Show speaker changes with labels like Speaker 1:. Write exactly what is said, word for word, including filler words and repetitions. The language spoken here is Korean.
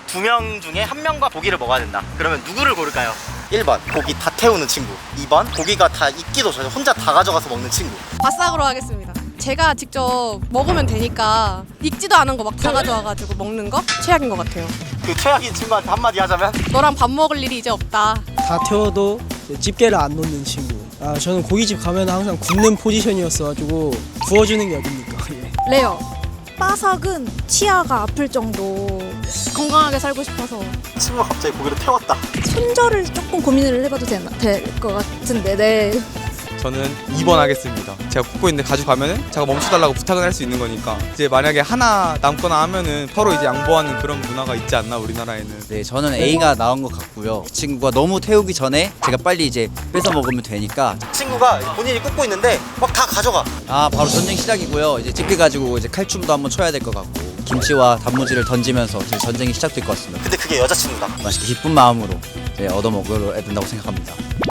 Speaker 1: 두 명 중에 한 명과 고기를 먹어야 된다. 그러면 누구를 고를까요? 일 번 고기 다 태우는 친구, 이 번 고기가 다 익기도 전에 혼자 다 가져가서 먹는 친구.
Speaker 2: 바싹으로 하겠습니다. 제가 직접 먹으면 되니까 익지도 않은 거 막 다 가져와가지고 먹는 거 최악인 것 같아요.
Speaker 1: 그 최악인 친구한테 한마디 하자면?
Speaker 2: 너랑 밥 먹을 일이 이제 없다.
Speaker 3: 다 태워도 집게를 안 놓는 친구. 아 저는 고깃집 가면 항상 굽는 포지션이었어가지고 구워주는 게 어딥니까. 예.
Speaker 2: 레어.
Speaker 4: 바삭은 치아가 아플 정도.
Speaker 2: 건강하게 살고 싶어서.
Speaker 1: 친구가 갑자기 고기를 태웠다.
Speaker 4: 손절을 조금 고민을 해봐도 될 것 같은데. 네.
Speaker 5: 저는 이 번 하겠습니다. 제가 굽고 있는데 가져가면은 제가 멈춰달라고 부탁을 할 수 있는 거니까 이제 만약에 하나 남거나 하면은 서로 이제 양보하는 그런 문화가 있지 않나 우리나라에는.
Speaker 6: 네, 저는 A가 나온 것 같고요. 그 친구가 너무 태우기 전에 제가 빨리 이제 뺏어 먹으면 되니까.
Speaker 1: 친구가 본인이 굽고 있는데 막 다 가져가.
Speaker 6: 아, 바로 전쟁 시작이고요. 이제 집게 가지고 이제 칼춤도 한번 춰야 될 것 같고 김치와 단무지를 던지면서 이제 전쟁이 시작될 것 같습니다.
Speaker 1: 근데 그게 여자친구다.
Speaker 6: 맛있게 기쁜 마음으로 이제 얻어 먹어야 된다고 생각합니다.